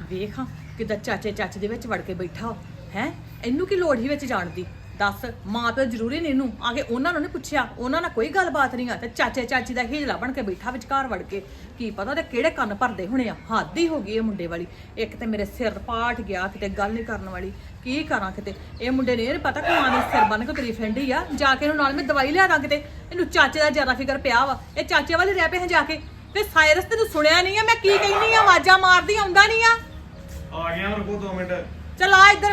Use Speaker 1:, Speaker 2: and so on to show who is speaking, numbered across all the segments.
Speaker 1: ਵੇਖ ਹਾਂ ਕਿਦਾਂ ਚਾਚੇ ਚਾਚੇ ਦੇ ਵਿੱਚ ਵੜ ਕੇ ਬੈਠਾ ਹੈ। ਇਹਨੂੰ ਕੀ ਲੋੜ ਹੀ ਵਿੱਚ ਜਾਣ ਦੀ? ਦੱਸ, ਮਾਂ ਪਿਓ ਜ਼ਰੂਰੀ ਨਹੀਂ ਇਹਨੂੰ ਆ ਕੇ ਉਹਨਾਂ ਨੂੰ ਨਹੀਂ ਪੁੱਛਿਆ, ਉਹਨਾਂ ਨਾਲ ਕੋਈ ਗੱਲਬਾਤ ਨਹੀਂ ਆ ਤੇ ਚਾਚੇ ਚਾਚੀ ਦਾ ਹੀਜਲਾ ਬਣ ਕੇ ਬੈਠਾ ਵਿਚਕਾਰ ਵੜ ਕੇ। ਕੀ ਪਤਾ ਉਹਦੇ ਕਿਹੜੇ ਕੰਨ ਭਰਦੇ ਹੋਣੇ ਆ। ਹੱਦ ਹੀ ਹੋ ਗਈ ਇਹ ਮੁੰਡੇ ਵਾਲੀ। ਇੱਕ ਤੇ ਮੇਰੇ ਸਿਰ ਪਾਟ ਗਿਆ, ਕਿਤੇ ਗੱਲ ਨਹੀਂ ਕਰਨ ਵਾਲੀ। ਕੀ ਕਰਾਂ ਕਿਤੇ ਇਹ ਮੁੰਡੇ ਨੇ ਇਹ ਪਤਾ ਕਿਉਂ ਆਨੇ ਸਿਰ ਬੰਨ ਕੇ ਤੇਰੀ ਫਰੈਂਡ ਹੀ ਆ। ਜਾ ਕੇ ਇਹਨੂੰ ਨਾਲ ਮੈਂ ਦਵਾਈ ਲਿਆ ਦਾਂ। ਕਿਤੇ ਇਹਨੂੰ ਚਾਚੇ ਦਾ ਜ਼ਿਆਦਾ ਫਿਕਰ ਪਿਆ ਵਾ। ਇਹ ਚਾਚੇ ਵਾਲੇ ਰਹਿ ਪਏ ਹਾਂ ਜਾ ਕੇ। ਤੇ ਸਾਇਰਸ ਤੈਨੂੰ ਸੁਣਿਆ ਨਹੀਂ ਆ ਮੈਂ ਕੀ ਕਹਿੰਦੀ ਆ? ਆਵਾਜ਼ਾਂ ਮਾਰਦੀ ਆਉਂਦਾ ਨਹੀਂ ਆ।
Speaker 2: ਆ ਗਿਆ ਰੁਕੋ 2 ਮਿੰਟ।
Speaker 1: ਚੱਲ ਆ ਇੱਧਰ।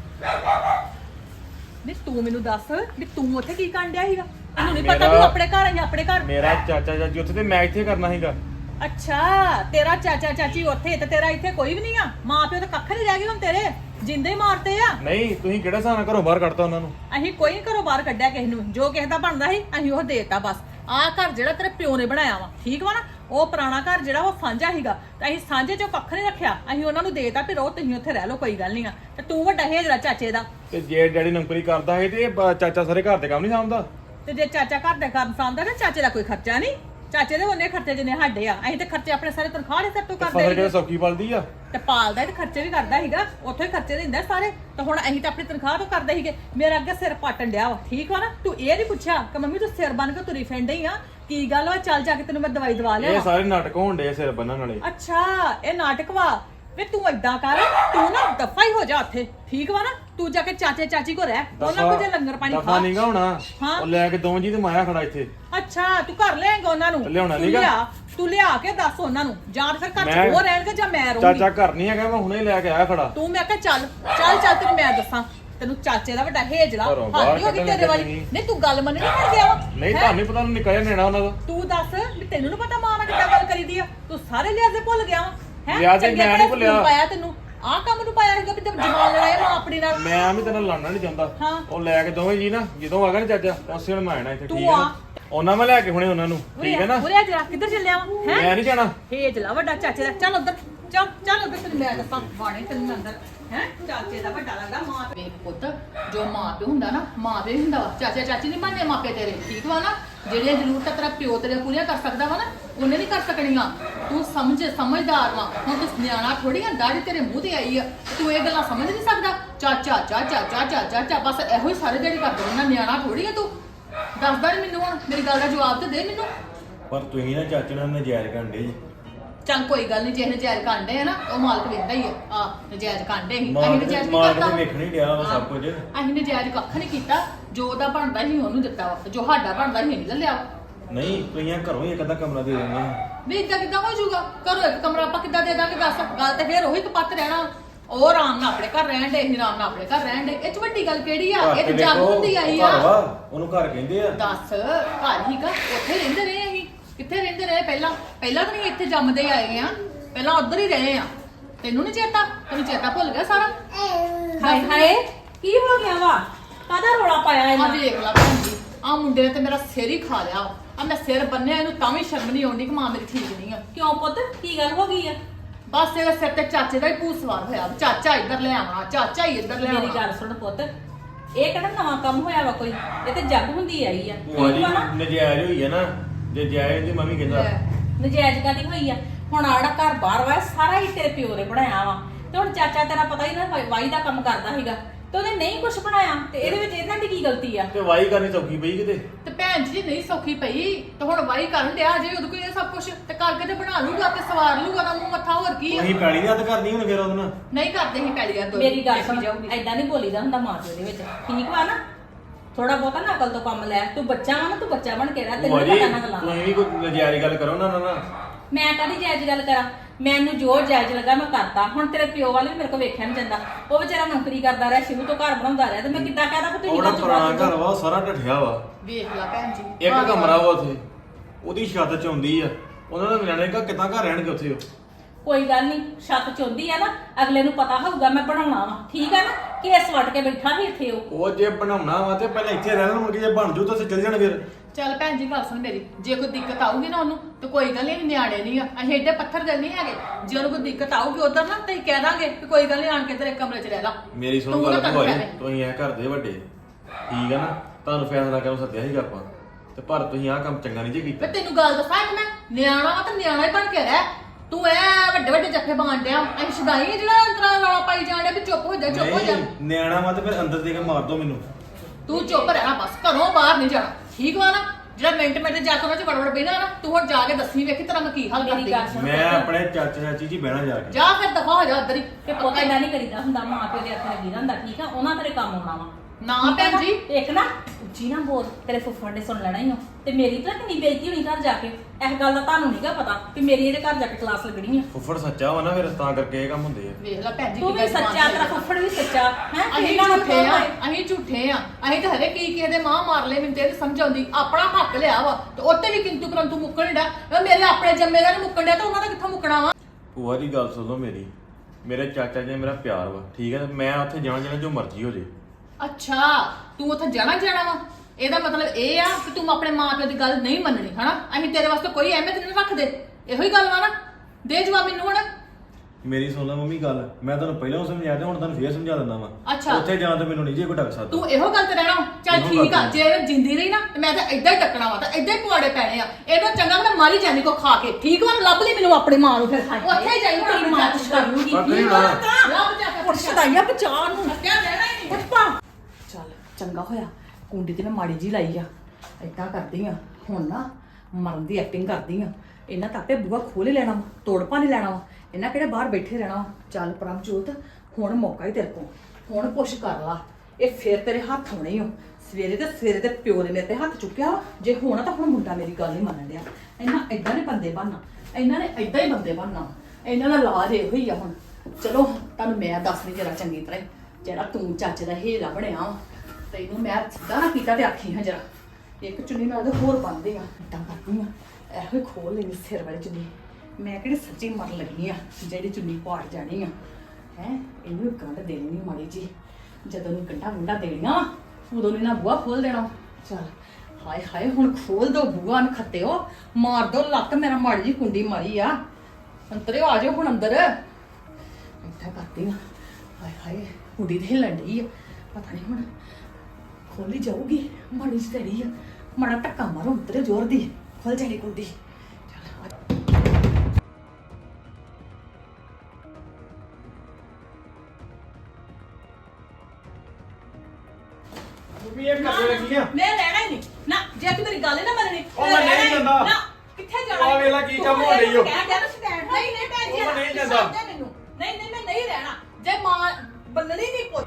Speaker 1: ਨਹੀਂ ਤੂੰ ਮੈਨੂੰ ਦੱਸ ਵੀ ਤੂੰ ਉੱਥੇ ਕੀ ਕਰਨ ਡਿਆ ਸੀਗਾ? ਤੈਨੂੰ ਨਹੀਂ ਪਤਾ ਵੀ ਤੂੰ ਆਪਣੇ ਘਰ ਆਈ ਆਪਣੇ ਘਰ?
Speaker 2: ਮੇਰਾ ਚਾਚਾ ਚਾਚੀ ਉੱਥੇ ਤੇ ਮੈਂ ਇੱਥੇ ਕਰਨਾ ਸੀਗਾ।
Speaker 1: ਅੱਛਾ, ਤੇਰਾ ਚਾਚਾ ਚਾਚੀ ਉੱਥੇ ਤੇ ਤੇਰਾ ਇੱਥੇ ਕੋਈ ਵੀ ਨਹੀਂ ਆ? ਮਾਂ ਪਿਓ ਤਾਂ ਕੱਖ ਨਹੀਂ ਰਹਿ ਗਏ ਹੁਣ ਤੇਰੇ, ਜਿੰਦੇ ਹੀ ਮਾਰਤੇ ਆ।
Speaker 2: ਨਹੀਂ ਤੁਸੀਂ ਕਿਹੜਾ ਹਿਸਾਬ ਨਾਲ ਘਰੋਂ ਬਾਹਰ ਕੱਢਤਾ ਉਹਨਾਂ ਨੂੰ?
Speaker 1: ਅਸੀਂ ਕੋਈ ਨੀ ਘਰੋਂ ਬਾਹਰ ਕੱਢਿਆ ਕਿਸੇ ਨੂੰ। ਜੋ ਕਿਸੇ ਦਾ ਬਣਦਾ ਸੀ ਅਸੀਂ ਉਹ ਦੇਤਾ ਬਸ। ਆਹ ਘਰ ਜਿਹੜਾ ਤੇਰੇ ਪਿਓ ਨੇ ਬਣਾਇਆ ਵਾ, ਠੀਕ ਵਾ ਨਾ? ਉਹ ਪੁਰਾਣਾ ਘਰ ਜਿਹੜਾ ਉਹ ਸਾਂਝਾ ਸੀਗਾ ਤੇ ਅਸੀਂ ਸਾਂਝੇ ਚੋਂ ਕੱਖ ਨਹੀਂ ਰੱਖਿਆ। ਅਸੀਂ ਉਹਨਾਂ ਨੂੰ ਦੇਤਾ ਵੀ ਰੋ ਤੁਸੀਂ ਉੱਥੇ ਰਹਿ ਲਓ, ਕੋਈ ਗੱਲ ਨਹੀਂ ਆ। ਤੇ ਤੂੰ ਵੱਡਾ ਹੇਜਰਾ ਚਾਚੇ ਦਾ।
Speaker 2: ਤੇ ਜੇ ਡੈਡੀ ਨੌਕਰੀ ਕਰਦਾ ਹੈ ਤੇ ਚਾਚਾ ਸਾਰੇ ਘਰ ਦੇ ਕੰਮ ਨਹੀਂ ਸਾਂਭਦਾ?
Speaker 1: ਤੇ ਜੇ ਚਾਚਾ ਘਰ ਦੇ ਕੰਮ ਸਾਂਭਦਾ ਤੇ ਚਾਚੇ ਦਾ ਕੋਈ ਖਰਚਾ ਨਹੀਂ? ਚਾਚੇ ਦੇ ਉਹਨੇ ਖਰਚੇ ਜਿੰਨੇ ਸਾਡੇ ਆ। ਅਸੀਂ ਤੇ ਖਰਚੇ ਆਪਣੇ ਸਾਰੇ ਤਨਖਾਹ ਦੇ ਸਿਰ ਤੋਂ ਕਰਦੇ
Speaker 2: ਫਸਲ ਕਿਹੜਾ ਸੌਖੀ ਪਲਦੀ ਆ?
Speaker 1: ਤੇ ਪਾਲਦਾ ਤੇ ਖਰਚੇ ਵੀ ਕਰਦਾ ਸੀਗਾ, ਉੱਥੋਂ ਹੀ ਖਰਚੇ ਦਿੰਦਾ ਸਾਰੇ। ਤੇ ਹੁਣ ਅਸੀਂ ਤਾਂ ਆਪਣੀ ਤਨਖਾਹ ਤੋਂ ਕਰਦੇ ਸੀਗੇ। ਮੇਰਾ ਅੱਗੇ ਸਿਰ ਪਾਟਣ ਡਿਆ ਵਾ, ਠੀਕ ਵਾ ਨਾ? ਤੂੰ ਇਹ ਨਹੀਂ ਪੁੱਛਿਆ ਕਿ ਮੰਮੀ ਤੂੰ ਸਿਰ ਬਨ ਕੇ ਤੁਰੀ ਫਿਰਨ ਡਈ ਆ, ਕੀ ਗੱਲ ਵਾ? ਚੱਲ ਜਾ ਕੇ ਤੈਨੂੰ ਮੈਂ ਦਵਾਈ ਦਵਾ ਲਿਆ।
Speaker 2: ਇਹ ਸਾਰੇ ਨਾਟਕ ਹੋਣ ਡੇ ਸਿਰ ਬੰਨਣ ਵਾਲੇ।
Speaker 1: ਅੱਛਾ, ਇਹ ਨਾਟਕ ਵਾ? ਵੇ ਤੂੰ ਏਦਾਂ ਕਰ, ਤੂੰ ਨਾ ਦਫਾ ਹੀ ਹੋ ਜਾ ਉੱਥੇ, ਠੀਕ ਵਾ ਨਾ? ਤੂੰ ਜਾ ਕੇ ਚਾਚੇ ਚਾਚੀ ਕੋ ਰਹਿ, ਉਹਨਾਂ ਕੋਲ ਜੇ ਲੰਗਰ ਪਾਣੀ
Speaker 2: ਦਫਾ
Speaker 1: ਖਾ।
Speaker 2: ਨਹੀਂਗਾ ਹੋਣਾ।
Speaker 1: ਹਾਂ।
Speaker 2: ਉਹ ਲੈ ਕੇ ਦੋਵੇਂ ਜੀ ਤੇ ਮਾਇਆ ਖੜਾ ਇੱਥੇ।
Speaker 1: ਅੱਛਾ, ਤੂੰ ਘਰ ਲਿਆਏਂਗਾ ਉਹਨਾਂ ਨੂੰ?
Speaker 2: ਲਿਆਉਣਾ
Speaker 1: ਤੂੰ
Speaker 2: ਨੀਗਾ।
Speaker 1: ਲਿਆ, ਤੂੰ ਲਿਆ ਕੇ ਦੱਸ ਉਹਨਾਂ ਨੂੰ, ਜਾਂ ਫਿਰ ਘਰ ਚ ਉਹ ਰਹਿਣਗੇ ਜਾਂ ਮੈਂ ਰਹੂੰਗੀ।
Speaker 2: ਚਾਚਾ ਘਰ ਨਹੀਂ ਹੈਗਾ, ਮੈਂ ਹੁਣੇ ਹੀ ਲੈ ਕੇ ਆਇਆ ਖੜਾ।
Speaker 1: ਤੂੰ ਮੈਂ ਕਿਹਾ ਚੱਲ ਚੱਲ ਚੱਲ ਤੈਨੂੰ ਮੈਂ ਦੱਸਾਂ। ਤੈਨੂੰ ਚਾਚੇ ਦਾ ਵੱਡਾ ਹੇਜਲਾ ਹੱਦ ਹੋ ਗਈ ਤੇਰੇ ਵਾਲੀ। ਨਹੀਂ ਤੂੰ ਗੱਲ ਮੰਨਣੀ ਨਹੀਂ ਗਿਆ ਵਾ।
Speaker 2: ਨਹੀਂ ਤੁਹਾਨੂੰ ਨਹੀਂ ਪਤਾ ਨਿਕਲਿਆ ਨੇਣਾ ਉਹਨਾਂ ਦਾ।
Speaker 1: ਤੂੰ ਦੱਸ ਵੀ ਤੈਨੂੰ ਨੀ ਪਤਾ ਮਾਂ ਨਾਲ ਕਿੱਦਾਂ ਗੱਲ ਕਰੀਦੀ ਆ? ਤੂੰ ਸਾਰੇ ਲਿਆਜ਼ੇ ਭੁੱਲ ਗਿਆ ਵਾ ਹੈ?
Speaker 2: ਲਿਹਾਜ਼ੇ ਮੈਂ ਨੀ ਭੁੱਲਿਆ।
Speaker 1: ਪਾਇਆ ਤੈਨੂੰ ਆਹ ਕੰਮ ਨੂੰ ਪਾਇਆ ਸੀਗਾ ਵੀ ਤੇ ਜਮਾਨ ਲੜਾਇਆ ਮਾਂ ਆਪਣੀ ਨਾਲ।
Speaker 2: ਮੈਂ ਵੀ ਤੇਰੇ ਨਾਲ ਲੜਨਾ ਨਹੀਂ ਚਾਹੁੰਦਾ।
Speaker 1: ਹਾਂ।
Speaker 2: ਉਹ ਲੈ ਕੇ ਦੋਵੇਂ ਜੀ ਨਾ ਜਦੋਂ ਆ ਗਿਆ ਨਾ ਚਾਚਾ ਉਸੇ ਵੇਲੇ ਮੈਂ ਆਣਾ ਇੱਥੇ,
Speaker 1: ਤੂੰ
Speaker 2: ਠੀਕ ਹੈ ਨਾ?
Speaker 1: ਆ।
Speaker 2: ਉਹਨਾਂ ਮੈਂ ਲੈ ਕੇ ਹੁਣੇ ਉਹਨਾਂ ਨੂੰ, ਠੀਕ ਹੈ ਨਾ?
Speaker 1: ਉਰੇ ਜਰਾ ਕਿੱਧਰ ਚੱਲਿਆ ਵਾ ਹੈ?
Speaker 2: ਮੈਂ ਨਹੀਂ ਜਾਣਾ।
Speaker 1: ਹੇਜਲਾ ਵੱਡਾ ਚਾਚੇ ਦਾ। ਚੱਲ ਉਧਰ, ਚੱਲ ਚੱਲ ਉਧਰ ਤੈਨੂੰ ਮੈਂ ਦੱਸਾਂ ਬਾਣੇ ਤੈਨੂੰ ਅੰਦਰ ਹੈ। ਚਾਚੇ ਦਾ ਵੱਡਾ ਲੱਗਦਾ ਮਾਂ ਪਿਓ। ਵੇਖ ਪੁੱਤ, ਜੋ ਮਾਂ ਪਿਓ ਹੁੰਦਾ ਨਾ ਮਾਂ ਪਿਓ ਹੁੰਦਾ ਵਾ। ਚਾਚਾ ਚਾਚੀ ਨਹੀਂ ਬਣਨੇ ਮਾਪੇ ਤੇਰੇ, ਠੀਕ ਵਾ ਨਾ? ਜਿਹੜੀਆਂ ਜ਼ਰੂਰਤਾਂ ਤੇਰਾ ਪਿਓ ਤੇਰੇ ਪੂਰੀਆਂ ਕਰ ਸਕਦਾ ਵਾ ਨਾ, ਉਹਨੇ ਨਹੀਂ ਕਰ ਸਕਣੀਆਂ। ਤੂੰ ਸਮਝਦਾਰ ਵਾ। ਹੁਣ ਤੂੰ ਨਿਆਣਾ ਥੋੜੀ ਆ, ਦਾੜੀ ਤੇਰੇ ਮੂੰਹ ਤੇ ਆਈ ਆ, ਤੂੰ ਇਹ ਗੱਲਾਂ ਸਮਝ ਨਹੀਂ ਸਕਦਾ? ਚਾਚਾ ਚਾਚਾ ਚਾਚਾ ਚਾਚਾ ਬਸ ਇਹੋ ਹੀ ਸਾਰੇ ਜਿਹੜੀ ਕਰਦੇ ਰਹਿਣਾ। ਨਿਆਣਾ ਥੋੜੀ ਆ ਤੂੰ। ਦੱਸਦਾ ਨਹੀਂ ਮੈਨੂੰ? ਹੁਣ ਮੇਰੀ ਗੱਲ ਦਾ ਜਵਾਬ ਤੇ ਦੇ ਮੈਨੂੰ।
Speaker 2: ਪਰ ਤੁਸੀਂ ਨਾ ਚਾਚੇ ਨਾਲ ਨਜਾਇਜ਼ ਕਰਨ ਡੇ ਜੀ।
Speaker 1: ਚੱਲ ਕੋਈ ਗੱਲ ਨਹੀਂ, ਜੇ ਨਜਾਇਜ਼ ਕਾਂਡੇ ਆ ਨਾ ਉਹ ਮਾਲਕ ਵੇਖਦਾ ਹੀ ਆ। ਆ ਨਜਾਇਜ਼ ਕਾਂਡੇ ਹੀ, ਅਸੀਂ
Speaker 2: ਮਾਲਕ
Speaker 1: ਨਜਾਇਜ਼ ਨਹੀਂ
Speaker 2: ਮਾਲਕ
Speaker 1: ਕਰਦਾ।
Speaker 2: ਤੇ ਵੇਖਣ ਹੀ ਡਿਆ ਵਾ ਸਭ ਕੁਝ।
Speaker 1: ਅਸੀਂ ਨਜਾਇਜ਼ ਕੱਖ ਨਹੀਂ ਕੀਤਾ। ਜੋ ਉਹਦਾ ਬਣਦਾ ਸੀ ਉਹਨੂੰ ਦਿੱਤਾ ਵਾ, ਜੋ ਸਾਡਾ ਬਣਦਾ ਸੀ ਨਹੀਂ ਲੈ ਲਿਆ।
Speaker 2: ਨਹੀਂ ਤੁਸੀਂ ਘਰੋਂ ਹੀ ਇੱਕ ਅੱਧਾ ਕਮਰਾ ਦੇ ਦਿੰਦੇ ਆ।
Speaker 1: ਵੀ ਇਦਾਂ ਕਿੱਦਾਂ ਹੋ ਜਾਊਗਾ? ਘਰੋਂ ਇੱਕ ਕਮਰਾ ਆਪਾਂ ਕਿੱਦਾਂ ਦੇ ਦਾਂਗੇ? ਦੱਸ। ਗੱਲ ਤੇ ਫੇਰ ਉਹੀ ਕਪੱਤ ਰਹਿਣਾ। ਉਹ ਆਰਾਮ ਨਾਲ ਆਪਣੇ ਘਰ ਰਹਿਣ ਦੇ, ਅਸੀਂ ਆਰਾਮ ਨਾਲ ਆਪਣੇ ਘਰ ਰਹਿਣ ਦੇ। ਇਹ ਚ ਵੱਡੀ ਗੱਲ ਕਿਹੜੀ ਆ? ਇਹ ਤੇ ਜੱਗ ਹੁੰਦੀ ਆਈ ਆ।
Speaker 2: ਉਹਨੂੰ ਘਰ ਕਹਿੰਦੇ ਆ।
Speaker 1: ਦੱਸ, ਘਰ ਹੀਗਾ, ਉੱਥੇ ਰਹਿੰਦੇ ਰਹੇ ਅਸੀਂ। ਕਿੱਥੇ ਰਹਿੰਦੇ ਰਹੇ ਪਹਿਲਾਂ? ਪਹਿਲਾਂ ਤਾਂ ਨਹੀਂ ਇੱਥੇ ਜੰਮਦੇ ਆਏ ਆ, ਪਹਿਲਾਂ ਉੱਧਰ ਹੀ ਰਹੇ ਆ। ਤੈਨੂੰ ਨਹੀਂ ਚੇਤਾ? ਤੈਨੂੰ ਚੇਤਾ ਭੁੱਲ ਗਿਆ ਸਾਰਾ?
Speaker 3: ਹਾਏ ਹਾਏ, ਕੀ ਹੋ ਗਿਆ ਵਾ? ਕਾਹਦਾ ਰੋਲਾ ਪਾਇਆ
Speaker 1: ਆ
Speaker 3: ਇਹਨਾਂ?
Speaker 1: ਵੇਖ ਲਾ ਭੈਣ ਜੀ, ਆ ਮੁੰਡੇ ਨੇ ਤੇ ਮੇਰਾ ਸਿਰ ਹੀ ਖਾ ਲਿਆ। ਆ ਮੈਂ ਸਿਰ ਬੰਨਿਆ, ਇਹਨੂੰ ਤਾਂ ਵੀ ਸ਼ਰਮ ਨਹੀਂ ਆਉਂਦੀ ਕਿ ਮਾਂ ਮੇਰੀ ਠੀਕ ਨਹੀਂ ਆ।
Speaker 3: ਕਿਉਂ ਪੁੱਤ, ਕੀ ਗੱਲ ਹੋ ਗਈ ਆ?
Speaker 1: ਬਸ ਇਹਦੇ ਸਿਰ ਤੇ ਚਾਚੇ ਦਾ ਹੀ ਭੂਤ ਸਵਾਰ ਹੋਇਆ। ਚਾਚਾ ਇੱਧਰ ਲੈ ਆਉਣਾ, ਚਾਚਾ ਹੀ ਇੱਧਰ ਲੈ
Speaker 3: ਮੇਰੀ
Speaker 1: ਆਉਣਾ।
Speaker 3: ਗੱਲ ਸੁਣ ਪੁੱਤ, ਇਹ ਕਿਹੜਾ ਨਵਾਂ ਕੰਮ ਹੋਇਆ ਵਾ ਕੋਈ? ਇਹ ਤੇ ਜੱਗ ਹੁੰਦੀ ਆਈ ਆ,
Speaker 2: ਭੂਆ
Speaker 3: ਠੀਕ
Speaker 2: ਜੀ
Speaker 3: ਵਾ ਨਾ?
Speaker 2: ਨਜਾਇਜ਼ ਹੋਈ ਹੈ ਨਾ, ਜੇ ਜਾਇਜ਼ ਦੀ ਮੰਮੀ ਕਹਿੰਦਾ।
Speaker 3: ਨਜਾਇਜ਼ ਕਾਦੀ ਹੋਈ ਆ? ਹੁਣ ਆੜਾ ਘਰ ਬਾਹਰ ਵਾ ਸਾਰਾ ਹੀ ਤੇਰੇ ਪਿਓ ਨੇ ਬਣਾਇਆ ਵਾ। ਤੇ ਹੁਣ ਚਾਚਾ ਤੇਰਾ ਪਤਾ ਹੀ ਨਾ ਵਾਈ ਦਾ ਕੰਮ ਕਰਦਾ ਸੀਗਾ ਤੇ ਉਹਨੇ ਨਹੀਂ ਕੁਝ ਬਣਾਇਆ, ਤੇ ਇਹਦੇ ਵਿੱਚ ਇਹਨਾਂ ਦੀ ਕੀ ਗਲਤੀ ਆ?
Speaker 2: ਤੇ ਵਾਈ ਕਰਨੀ ਸੌਖੀ ਪਈ ਕਿਤੇ।
Speaker 1: ਤੇ ਭੈਣ ਜੀ ਨਹੀਂ ਸੌਖੀ ਪਈ ਤੇ ਹੁਣ ਵਾਈ ਕਰਨ ਡਿਆ ਜੇ ਉਹਦੇ ਕੋਲ ਇਹ ਸਭ ਕੁਝ ਤੇ ਕਰਕੇ ਤੇ ਬਣਾ ਲੂਗਾ ਤੇ ਸਵਾਰ ਲੂਗਾ ਨਾ ਮੂੰਹ ਮੱਥਾ। ਹੋਰ ਕੀ ਆ?
Speaker 2: ਤੁਸੀਂ ਪੈਲੀ ਦੀ ਹੱਦ ਕਰਨੀ ਹੁਣ ਫਿਰ ਉਹਦੇ ਨਾਲ।
Speaker 1: ਨਹੀਂ ਕਰਦੇ ਹੀ ਪੈਲੀ ਆ।
Speaker 3: ਮੇਰੀ ਗੱਲ ਸੁਣ, ਐਦਾਂ ਨਹੀਂ ਬੋਲੀਦਾ ਹੁੰਦਾ ਮਾਂ ਪਿਓ ਦੇ ਵਿੱਚ, ਠੀਕ ਵਾ ਨਾ? ਥੋੜਾ ਬਹੁਤਾ ਨਾ ਅਕਲ ਤੋਂ ਕੰਮ ਲੈ। ਤੂੰ ਬੱਚਾ ਵਾ ਨਾ, ਤੂੰ ਬੱਚਾ ਬਣ ਕੇ ਰਹਿ। ਤੈਨੂੰ
Speaker 2: ਭੂਆ
Speaker 3: ਨੀ
Speaker 2: ਜੀ
Speaker 3: ਪਤਾ ਨਾ ਗੱਲਾਂ।
Speaker 2: ਤੁਸੀਂ ਵੀ ਕੋਈ ਨਜਾਇਜ਼ ਗੱਲ ਕਰੋ ਨਾ ਨਾ।
Speaker 3: ਮੈਂ ਕਾਹਦੀ ਜਾਇਜ਼ ਗੱਲ ਕਰਾਂ? ਮੈਨੂੰ ਜੋ ਜਾਇਜ਼ ਲੱਗਾ ਮੈਂ ਕਰਤਾ। ਹੁਣ ਤੇਰੇ ਪਿਓ ਵਾਲੇ ਵੀ ਮੇਰੇ ਕੋਲ ਵੇਖਿਆ ਨਹੀਂ ਜਾਂਦਾ। ਉਹ ਵਿਚਾਰਾ ਨੌਕਰੀ ਕਰਦਾ ਰਿਹਾ, ਸ਼ੁਰੂ ਤੋਂ ਘਰ ਬਣਾਉਂਦਾ ਰਿਹਾ, ਤੇ ਮੈਂ ਕਿੱਦਾਂ ਕਹਦਾ ਕਿ ਤੁਸੀਂ
Speaker 2: ਉਹਦਾ ਪੁਰਾਣਾ ਘਰ ਵਾ, ਉਹ ਸਾਰਾ ਢੱਠਿਆ ਵਾ।
Speaker 1: ਵੇਖ ਲਾ ਭੈਣ ਜੀ,
Speaker 2: ਇੱਕ ਕਮਰਾ ਵਾ ਉੱਥੇ, ਉਹਦੀ ਛੱਤ ਚ ਆਉਂਦੀ ਆ। ਉਹਨਾਂ ਦਾ ਨਿਆਣੇ ਕਿੱਦਾਂ ਘਰ ਰਹਿਣਗੇ ਉੱਥੇ? ਉਹ
Speaker 3: ਕੋਈ ਗੱਲ ਨਹੀਂ, ਛੱਤ ਚੋਂਦੀ ਆ ਨਾ, ਅਗਲੇ ਨੂੰ ਪਤਾ ਹੋਊਗਾ ਮੈਂ ਬਣਾਉਣਾ ਵਾ, ਠੀਕ ਆ ਨਾ? ਕੇਸ ਵਟ ਕੇ ਬੈਠਾ ਸੀ ਇੱਥੇ ਉਹ
Speaker 2: ਜੇ ਬਣਾਉਣਾ ਵਾ ਤੇ ਪਹਿਲਾਂ ਇੱਥੇ ਰਹਿਣ ਮੁੜ ਕੇ ਜੇ ਬਣ ਜੂ ਤਾਂ ਅਸੀਂ ਚੱਲ ਜਾਣ ਫਿਰ।
Speaker 1: ਚੱਲ ਭੈਣ ਜੀ ਗੱਲ ਸੁਣ ਮੇਰੀ, ਜੇ ਕੋਈ ਦਿੱਕਤ ਆਊਗੀ ਨਾ ਉਹਨੂੰ ਤੇ ਕੋਈ ਗੱਲ ਨਹੀਂ, ਨਿਆਣੇ ਨਹੀਂ ਆ ਅਸੀਂ ਏਡੇ ਪੱਥਰ ਦਿਲ ਨਹੀਂ ਹੈਗੇ। ਜੇ ਉਹਨੂੰ ਕੋਈ ਦਿੱਕਤ ਆਊਗੀ ਉਧਰ ਨਾ ਤੇ ਕਹਿ ਦਾਂਗੇ ਕਿ ਕੋਈ ਗੱਲ ਨਹੀਂ, ਆਣ ਕੇ ਤੇਰੇ ਕਮਰੇ 'ਚ ਰਹਿ ਲਾ।
Speaker 2: ਮੇਰੀ ਸੁਣੋ ਗੱਲ ਭੂਆ ਜੀ, ਤੁਸੀਂ ਇਹ ਘਰ ਦੇ ਵੱਡੇ, ਠੀਕ ਆ ਨਾ? ਤੁਹਾਨੂੰ ਫੈਸਲਾ ਕਰਨ ਸੱਦਿਆ ਸੀਗਾ ਆਪਾਂ, ਤੇ ਪਰ ਤੁਸੀਂ ਆਹ ਕੰਮ ਚੰਗਾ ਨਹੀਂ ਜੇ ਕੀਤਾ।
Speaker 1: ਤੈਨੂੰ ਗੱਲ ਦੱਸਾਂ ਕਿ ਮੈਂ ਨਿਆਣਾ ਵਾ ਤੇ ਨਿਆਣਾ ਹੀ ਬਣ ਕੇ ਰਹਿ। ਤੂੰ ਐ ਵੱਡੇ ਵੱਡੇ ਜੱਫੇ ਬਾਣ ਡਿਆ ਅਸੀਂ ਸ਼ਦਾਈ ਜਿਹੜਾ ਅੰਤਰਾ ਰੌਲਾ ਪਾਈ ਜਾਣ ਡਿਆ ਵੀ ਚੁੱਪ ਹੋ ਜਾ ਚੁੱਪ ਹੋ ਜਾ
Speaker 2: ਨਹੀਂ ਨਿਆਣਾ ਵਾ ਤੇ ਫਿਰ ਅੰਦਰ ਦੇ ਕੇ ਮਾਰ ਦੋ ਮੈਨੂੰ।
Speaker 1: ਤੂੰ ਚੁੱਪ ਰਹਿਣਾ ਬਸ ਘਰੋਂ ਬਾਹਰ ਨਹੀਂ ਜਾਣਾ ਠੀਕ ਵਾ ਨਾ ਜਿਹੜਾ ਮਿੰਟ ਜਾ ਕੇ ਉਹਨਾਂ ਚ ਵੜਵੜ ਪੈਣਾ ਨਾ ਤੂੰ ਹੁਣ ਜਾ ਕੇ ਦੱਸੀ ਵੇਖੀ ਤੇਰਾ ਮੈਂ ਕੀ ਹਾਲ
Speaker 3: ਮੇਰੀ
Speaker 1: ਕਰਦੀ
Speaker 3: ਗੱਲ ਸੁਣ।
Speaker 2: ਮੈਂ ਆਪਣੇ ਚਾਚਾ ਚਾਚੀ ਜੀ ਬਹਿਣਾ ਜਾ ਕੇ।
Speaker 1: ਜਾ ਫਿਰ ਦਫਾ ਹੋ ਜਾ ਉੱਧਰ ਹੀ
Speaker 3: ਤੇ ਪੁੱਤ ਏਦਾਂ ਨਹੀਂ ਕਰੀਦਾ ਹੁੰਦਾ, ਮਾਂ ਪਿਓ ਦੇ ਹੱਥ ਲੱਗੀ ਹੁੰਦਾ ਠੀਕ ਆ, ਉਹਨਾਂ ਤੇਰੇ ਕੰਮ ਆਉਣਾ ਵਾ।
Speaker 1: ਨਾ ਭੈਣ ਜੀ
Speaker 3: ਇੱਕ ਨਾ ਉੱਚੀ ਨਾ ਬੋਲ, ਤੇਰੇ ਫੁੱਫੜ ਨੇ ਸੁਣ ਲੈਣਾ ਹੀ ਹੋ ਤੇ ਮੇਰੀ ਤਾਂ ਕਿੰਨੀ ਬੇਇੱਜ਼ਤੀ ਹੋਣੀ ਘਰ ਜਾ ਕੇ। ਇਸ ਗੱਲ ਦਾ ਤੁਹਾਨੂੰ ਨਹੀਂਗਾ ਪਤਾ ਕਿ ਮੇਰੀ ਇਹਦੇ ਘਰ ਜਾ ਕੇ ਕਲਾਸ ਲੱਗਣੀ ਆ।
Speaker 2: ਫੁੱਫੜ ਸੱਚਾ ਵਾ ਨਾ ਫਿਰ ਤਾਂ ਕਰਕੇ ਇਹ ਕੰਮ ਹੁੰਦੇ ਆ।
Speaker 1: ਵੇਖ ਲੈ ਭੈਣ ਜੀ
Speaker 3: ਤੂੰ ਵੀ ਸੱਚਾ, ਤੇਰਾ ਫੁੱਫੜ ਵੀ ਸੱਚਾ ਹੈ।
Speaker 1: ਅਸੀਂ ਝੂਠੇ ਆ ਅਸੀਂ ਝੂਠੇ ਆ ਅਸੀਂ ਤਾਂ ਹਰੇ ਕੀ ਕਿਸੇ ਦੇ ਮਾਂ ਮਾਰ ਲੈ ਮੈਨੂੰ ਤੇ ਇਹ ਸਮਝ ਆਉਂਦੀ ਆਪਣਾ ਹੱਕ ਲਿਆ ਵਾ ਤੇ ਉੱਤੇ ਵੀ ਕਿੰਤੂ ਪਰੰਤੂ ਮੁੱਕਣ ਡਾ ਮੇਰੇ ਆਪਣੇ ਜੰਮੇ ਦਾ ਨੀ ਮੁੱਕਣ ਡਿਆ ਤੇ ਉਹਨਾਂ ਦਾ ਕਿੱਥੋਂ ਮੁੱਕਣਾ ਵਾ।
Speaker 2: ਭੂਆ ਦੀ ਗੱਲ ਸੁਣੋ ਮੇਰੀ, ਮੇਰੇ ਚਾਚਾ ਜੀ ਮੇਰਾ ਪਿਆਰ ਵਾ ਠੀਕ ਹੈ, ਮੈਂ ਉੱਥੇ ਜਾਣਾ ਜੋ ਮਰਜ਼ੀ ਹੋ ਜੇ।
Speaker 1: ਅੱਛਾ ਤੂੰ ਉੱਥੇ ਜਾਣਾ ਵਾ ਇਹਦਾ ਮਤਲਬ ਇਹ ਆ ਕਿ ਤੂੰ ਆਪਣੇ ਮਾਂ ਪਿਓ ਦੀ ਗੱਲ ਨਹੀਂ ਮੰਨਣੀ ਹਨਾ ਅਸੀਂ ਤੇਰੇ ਵਾਸਤੇ ਕੋਈ ਅਹਿਮੀਅਤ ਨਹੀਂ ਰੱਖਦੇ ਇਹੋ ਹੀ ਗੱਲ ਵਾ ਨਾ ਦੇ ਜਵਾਬ ਮੈਨੂੰ ਹੁਣ।
Speaker 2: ਮੇਰੀ ਸੁਣ ਲੈ ਮੰਮੀ ਗੱਲ, ਮੈਂ ਤੁਹਾਨੂੰ ਪਹਿਲਾਂ ਸਮਝਾਇਆ ਤੇ ਹੁਣ ਤੁਹਾਨੂੰ ਫੇਰ ਸਮਝਾ ਦਿੰਦਾ ਵਾਂ।
Speaker 1: ਅੱਛਾ।
Speaker 2: ਉੱਥੇ ਜਾਣ ਤੇ ਮੈਨੂੰ ਨਹੀਂ ਜੇ ਕੋਈ ਡੱਕ ਸਕਦਾ।
Speaker 1: ਤੂੰ ਇਹੋ ਗੱਲ ਤੇ ਰਹਿਣਾ ਚੱਲ
Speaker 2: ਇਹੋ
Speaker 1: ਠੀਕ ਆ
Speaker 2: ਗੱਲ
Speaker 1: ਜੇ ਇਹ ਜਿੰਦੀ ਰਹੀ ਨਾ ਤੇ ਮੈਂ ਤਾਂ ਏਦਾਂ ਹੀ ਟੱਕਣਾ ਵਾ ਤਾਂ ਏਦਾਂ ਹੀ ਪੁਆੜੇ ਪੈਣੇ ਆ ਇਹਦਾ ਚੰਗਾ ਮੈਂ ਮਾਰੀ ਜਾਂਦੀ ਕੋ ਖਾ ਕੇ ਠੀਕ ਵਾ ਲੱਭ ਲਈ ਮੈਨੂੰ ਆਪਣੀ ਮਾਂ ਨੂੰ ਫਿਰ ਉੱਥੇ ਹੀ ਜਾਈ
Speaker 3: ਤੇਰੀ ਮਾਂ ਕੁਛ ਕਰ ਲੂਗੀ।
Speaker 2: ਪਰ ਨਹੀਂ ਹੋਣਾ।
Speaker 1: ਲੱਭ ਜਾ ਕੇ
Speaker 3: ਪੁੱਛਦਾਈਆ ਬਚਾ ਨੂੰ
Speaker 1: ਕਿਆ ਰਹਿਣਾ ਹੀ ਨਹੀਂ
Speaker 3: ਪਾ। ਚੱਲ ਚੰਗਾ ਹੋਇਆ ਕੁੰਡੀ ਤੇ ਮੈਂ ਮਾੜੀ ਜੀ ਲਾਈ ਆ। ਏਦਾਂ ਕਰਦੀ ਆ ਹੁਣ ਨਾ ਮਰਨ ਦੀ ਐਕਟਿੰਗ ਕਰਦੀ ਆ। ਇਹਨਾਂ ਤਾਂ ਆਪੇ ਬੂਹਾ ਖੋਲ ਹੀ ਲੈਣਾ ਵਾ, ਤੋੜ ਪਾ ਨਹੀਂ ਲੈਣਾ ਵਾ। ਇਹਨਾਂ ਕਿਹੜੇ ਬਾਹਰ ਬੈਠੇ ਰਹਿਣਾ ਵਾ। ਚੱਲ ਪ੍ਰਭਜੋਤ ਹੁਣ ਮੌਕਾ ਹੀ ਤੇਰੇ ਕੋਲ, ਹੁਣ ਪੁੱਛ ਕਰ ਲਾ। ਇਹ ਫੇਰ ਤੇਰੇ ਹੱਥ ਆਉਣੇ ਹੋ। ਸਵੇਰੇ ਤੇ ਪਿਓ ਨੇ ਮੇਰੇ ਤੇ ਹੱਥ ਚੁੱਕਿਆ ਵਾ। ਜੇ ਹੋਣਾ ਤਾਂ ਹੁਣ ਮੁੰਡਾ ਮੇਰੀ ਗੱਲ ਨਹੀਂ ਮੰਨਣ ਡਿਆ। ਇਹਨਾਂ ਏਦਾਂ ਨੇ ਬੰਦੇ ਬਣਨਾ, ਇਹਨਾਂ ਨੇ ਏਦਾਂ ਹੀ ਬੰਦੇ ਬਣਨਾ। ਇਹਨਾਂ ਦਾ ਇਲਾਜ ਇਹੋ ਹੀ ਆ ਹੁਣ। ਚਲੋ ਤੁਹਾਨੂੰ ਮੈਂ ਦੱਸਦੀ ਜਰਾ ਚੰਗੀ ਤਰ੍ਹਾਂ ਜਿਹੜਾ ਤੂੰ ਚਾਚੇ ਦਾ ਹੀਲਾ ਬਣਿਆ ਵਾ ਤੈਨੂੰ ਮੈਂ ਸਿੱਧਾ ਨਾ ਕੀਤਾ ਤੇ ਆਖੀ ਹਾਂ ਜਰਾ ਇੱਕ ਚੁੰਨੀ ਨਾਲ ਉਹਦੇ ਹੋਰ ਬੰਨਦੇ ਆ। ਏਦਾਂ ਕਰਦੀ ਆ ਇਹੋ ਹੀ ਖੋਲ ਲੈਣੀ ਸਿਰ ਵਾਲੀ ਚੁੰਨੀ। ਮੈਂ ਕਿਹੜੀ ਸੱਚੀ ਮਰਨ ਲੱਗੀ ਆ ਜਿਹੜੀ ਚੁੰਨੀ ਪਾੜ ਜਾਣੀ ਆ ਹੈ। ਇਹਨੂੰ ਗੰਢ ਦੇਣੀ ਮਾੜੀ ਜੀ, ਜਦੋਂ ਨੂੰ ਗੰਢਾ ਗੁੰਡਾ ਦੇਣੀਆਂ ਉਦੋਂ ਨਹੀਂ ਨਾ ਬੂਹਾ ਖੋਲ ਦੇਣਾ। ਚੱਲ ਹਾਏ ਹਾਏ ਹੁਣ ਖੋਲ ਦੋ ਬੂਹਾ ਨ ਖੱਤਿਓ, ਮਾਰ ਦੋ ਲੱਕ। ਮੇਰਾ ਮਾੜੀ ਜੀ ਕੁੰਡੀ ਮਾਰੀ ਆ ਅੰਤਰੇ ਆ ਜਾਓ ਹੁਣ ਅੰਦਰ। ਏਦਾਂ ਕਰਦੀ ਆ ਹਾਏ ਹਾਏ ਕੁੰਡੀ ਤੇ ਹਿੱਲਣ ਡਈ ਆ ਪਤਾ ਨਹੀਂ ਹੁਣ ਖੋਲੀ ਜਾਊਗੀ। ਮਾੜੀ ਜਿਹੀ ਤੇਰੀ ਆ ਮਾੜਾ ਧੱਕਾ ਮਾਰੋ ਅੰਤਰੇ ਜ਼ੋਰ ਦੀ ਖੁੱਲ ਜਾਣੀ ਕੁੰਡੀ।
Speaker 2: ਮੰਮੀ ਇਹ ਕਰਦੇ ਲੱਗੀ ਆ।
Speaker 1: ਮੈਂ ਰਹਿਣਾ ਹੀ ਨਹੀਂ ਨਾ ਜੇ ਤੂੰ ਮੇਰੀ ਗੱਲ ਹੀ ਨਾ ਮੰਨਣੀ
Speaker 2: ਉਹ ਮੈਂ ਨਹੀਂ ਜਾਂਦਾ।
Speaker 1: ਨਾ ਕਿੱਥੇ ਜਾਣਾ
Speaker 2: ਆ ਵੇਲਾ ਕੀ ਕੰਮ ਹੋ ਰਹੀ ਓ।
Speaker 1: ਕਹਿ ਗਿਆ ਨਾ ਸਟੈਂਡ ਨਹੀਂ ਨਹੀਂ ਭੈਣ ਜੀ
Speaker 2: ਉਹ ਨਹੀਂ ਜਾਂਦਾ।
Speaker 1: ਸਮਝਿਆ ਮੈਨੂੰ ਨਹੀਂ ਨਹੀਂ ਮੈਂ ਨਹੀਂ ਰਹਿਣਾ ਜੇ ਮਾਂ ਬੰਨਣੀ ਨਹੀਂ ਪੁੱਤ।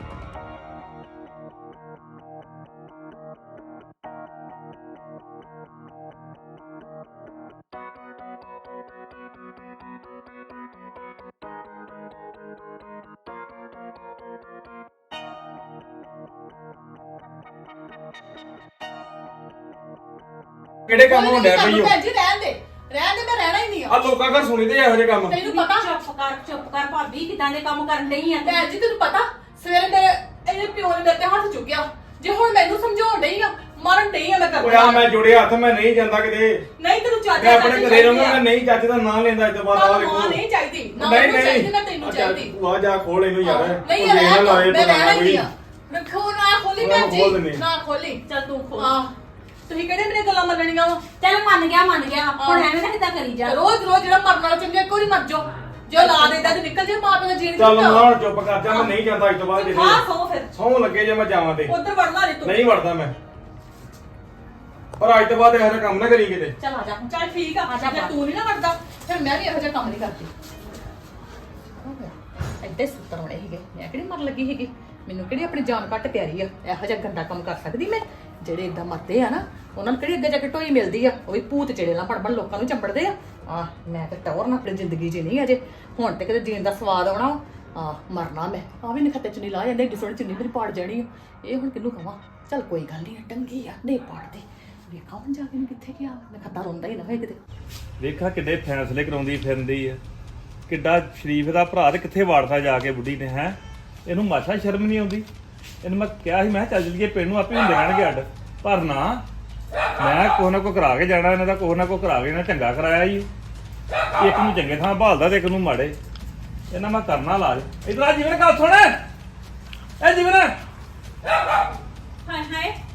Speaker 2: ਕਿਹੜੇ ਕੰਮ ਹੋਣ ਡਿਆ ਪਈ ਓ?
Speaker 1: ਭੈਣ ਜੀ ਰਹਿਣ ਦੇ ਮੈਂ ਰਹਿਣਾ ਹੀ ਨਹੀਂ
Speaker 2: ਆ ਲੋਕਾਂ ਘਰ ਸੁਣੀ ਤੇ ਇਹੋ ਜਿਹੇ ਕੰਮ।
Speaker 1: ਤੈਨੂੰ ਪਤਾ
Speaker 3: ਚੁੱਪ ਕਰ ਭਾਬੀ, ਕਿਦਾਂ ਦੇ ਕੰਮ ਕਰਨ ਡਈ ਆ
Speaker 1: ਭੈਣ ਜੀ ਤੈਨੂੰ ਪਤਾ ਸਵੇਰੇ ਮੇਰੇ ਇਹਨੇ ਪਿਓ ਨੇ ਮੇਰੇ ਤੇ ਹੱਥ ਚੁੱਕਿਆ। ਜੇ ਹੁਣ ਮੈਨੂੰ ਸਮਝਾਉਣ ਡਈ ਆ ਮਾਰਨ ਡਈ ਆ ਮੈਂ ਕਰ
Speaker 2: ਓਏ ਆ ਮੈਂ ਜੁੜੇ ਹੱਥ, ਮੈਂ ਨਹੀਂ ਜਾਂਦਾ ਕਿਤੇ।
Speaker 1: ਨਹੀਂ ਤੈਨੂੰ ਚਾਚਾ
Speaker 2: ਮੈਂ ਆਪਣੇ ਘਰੇ ਰਹੂੰਗਾ, ਮੈਂ ਨਹੀਂ ਚਾਚੇ ਦਾ ਨਾਂ ਲੈਂਦਾ ਅੱਜ ਤੋਂ ਬਾਅਦ। ਆ ਵੇਖੋ
Speaker 1: ਨਹੀਂ ਚਾਹੀਦੀ ਨਾ
Speaker 2: ਨਹੀਂ
Speaker 1: ਮੈਨੂੰ ਚਾਹੀਦੀ
Speaker 2: ਨਹੀਂ
Speaker 1: ਨਾ ਤੈਨੂੰ ਚਾਹੀਦੀ।
Speaker 2: ਤੂੰ ਆ ਜਾ ਖੋਲ ਇਹਨੂੰ ਯਾਰ।
Speaker 1: ਨਹੀਂ
Speaker 2: ਉਹ ਦੇਖ ਨਾ ਲਾਏ
Speaker 1: ਮੈਂ
Speaker 2: ਪਤਾ
Speaker 1: ਰਹਿਣਾ ਹੀ
Speaker 2: ਕੋਈ।
Speaker 1: ਨਹੀਂ ਆ। ਰੱਖੋ ਨਾ ਖੋਲੀ ਭੈਣ
Speaker 2: ਖੋਲ ਦਿੰਦੇ।
Speaker 1: ਜੀ ਨਾ ਖੋਲੀ।
Speaker 3: ਚੱਲ ਤੂੰ ਖੋਲ।
Speaker 1: ਆਹ ਤੁਸੀਂ ਕਿਹੜੇ ਮੇਰੇ ਗੱਲਾਂ ਮੰਨਣੀਆਂ ਵਾ।
Speaker 3: ਚੱਲ ਮੰਨ ਗਿਆ ਹੁਣ ਐਵੇਂ ਨਾ ਕਿਦਾਂ ਕਰੀ ਜਾ।
Speaker 1: ਰੋਜ਼ ਜਿਹੜਾ ਮਰਨ ਵਾਲਾ ਚੰਗਾ ਇੱਕ ਵਾਰੀ ਮਰ ਜਾਓ। ਜੋ ਲਾ ਦੇਦਾ ਤੇ ਨਿਕਲ ਜੇ ਮਾਂ ਪਿਓ ਦਾ ਜੀਣ
Speaker 2: ਚੱਲ ਹੁਣ ਚੁੱਪ ਕਰ ਜਾ, ਮੈਂ ਨਹੀਂ ਜਾਂਦਾ ਅੱਜ ਤੋਂ ਬਾਅਦ
Speaker 1: ਹਾਂ
Speaker 2: ਕਿਤੇ।
Speaker 1: ਸੋ ਫਿਰ
Speaker 2: ਸੌਂ ਲੱਗੇ ਜੇ ਮੈਂ ਜਾਵਾਂ ਤੇ
Speaker 1: ਉਧਰ ਵੜਨਾ ਨਹੀਂ ਤੂੰ।
Speaker 2: ਨਹੀਂ ਵੜਦਾ ਮੈਂ, ਪਰ ਅੱਜ ਤੋਂ ਬਾਅਦ ਇਹੋ ਜਿਹਾ ਕੰਮ ਨਾ ਕਰੀ ਕਿਤੇ।
Speaker 3: ਚੱਲ ਆ ਜਾ
Speaker 1: ਚੱਲ ਠੀਕ ਆ ਜੇ ਤੂੰ ਨਹੀਂ ਨਾ ਵੜਦਾ ਫਿਰ ਮੈਂ ਵੀ ਇਹੋ ਜਿਹਾ ਕੰਮ ਨਹੀਂ ਕਰਦੀ। ਐਡੇ ਸੁੱਤਰ ਹੋਣੇ ਸੀਗੇ, ਮੈਂ ਕਿਹੜੀ ਮਰ ਲੱਗੀ ਸੀਗੀ। ਮੈਨੂੰ ਕਿਹੜੀ ਆਪਣੀ ਜਾਨ ਘੱਟ ਪਿਆਰੀ ਆ। ਇਹੋ ਜਿਹਾ ਗੰਦਾ ਕੰਮ ਕਰ ਸਕਦੀ ਮੈਂ। ਜਿਹੜੇ ਇਦਾਂ ਮਰਦੇ ਆ ਨਾ ਉਹਨਾਂ ਨੂੰ ਕਿਹੜੀ ਅੱਗੇ ਜਾ ਕੇ ਢੋਈ ਮਿਲਦੀ ਆ। ਉਹ ਵੀ ਭੂਤ ਚੜੇ ਨਾਲ ਬਣ ਲੋਕਾਂ ਨੂੰ ਚੰਬੜਦੇ ਆ। ਮੈਂ ਤੇ ਟੌਰ ਨਾ ਆਪਣੀ ਜ਼ਿੰਦਗੀ 'ਚ ਨਹੀਂ ਅਜੇ ਹੁਣ ਤੇ ਕਿਤੇ ਜੀਣ ਦਾ ਸਵਾਦ ਆਉਣਾ। ਮਰਨਾ ਮੈਂ ਆ ਵੀ ਨਖੱਤੇ ਚੁੰਨੀ ਲਾ ਜਾਂਦੇ ਏਡੀ ਸੋਹਣੀ ਚੁੰਨੀ ਮੇਰੀ ਪਾੜ ਜਾਣੀ ਆ। ਇਹ ਹੁਣ ਕਿਹਨੂੰ ਕਵਾਂ। ਚੱਲ ਕੋਈ ਗੱਲ ਨਹੀਂ ਟੰਗੀ ਆ ਨਹੀਂ ਪਾੜਦੀ। ਵੇਖਾਂ ਹੁਣ ਜਾ ਕੇ ਨੂੰ ਕਿੱਥੇ ਗਿਆ। ਨਖੱਤਾ ਰੋਂਦਾ ਹੀ ਨਾ ਹੋਏ ਕਿਤੇ।
Speaker 4: ਵੇਖਾ ਕਿੱਡੇ ਫੈਸਲੇ ਕਰਾਉਂਦੀ ਫਿਰਦੀ ਆ। ਕਿੱਡਾ ਸ਼ਰੀਫ ਦਾ ਭਰਾ ਤੇ ਕਿੱਥੇ ਵਾੜਦਾ ਜਾ ਕੇ ਬੁੱਢੀ ਨੇ ਹੈ। ਇਹਨੂੰ ਮਾਸ਼ਾ ਸ਼ਰਮ ਨਹੀਂ ਆਉਂਦੀ। ਇਹਨੂੰ ਮੈਂ ਕਿਹਾ ਸੀ ਮੈਂ ਕਿਹਾ ਚੱਲ ਜੀਏ ਪਿੰਡ ਨੂੰ ਆਪੇ ਹੁੰਦੇ ਰਹਿਣਗੇ ਅੱਡ, ਪਰ ਨਾ ਮੈਂ ਕੋਹ ਨਾ ਕੋ ਕਰਾ ਕੇ ਜਾਣਾ। ਇਹਨਾਂ ਦਾ ਕੋਹ ਨਾ ਕੋ ਕਰਾ ਕੇ ਇਹਨਾਂ ਚੰਗਾ ਕਰਾਇਆ ਹੀ। ਇੱਕ ਨੂੰ ਚੰਗੇ ਥਾਂ ਭਾਲਦਾ ਤੇ ਇੱਕ ਨੂੰ ਮਾੜੇ। ਇਹਨਾਂ ਮੈਂ ਕਰਨਾ ਲਾਜ। ਇਧਰ ਆ ਜੀਵਨ ਗੱਲ ਸੁਣ। ਇਹ ਜੀਵਨ
Speaker 3: ਹਾਏ ਹਾਏ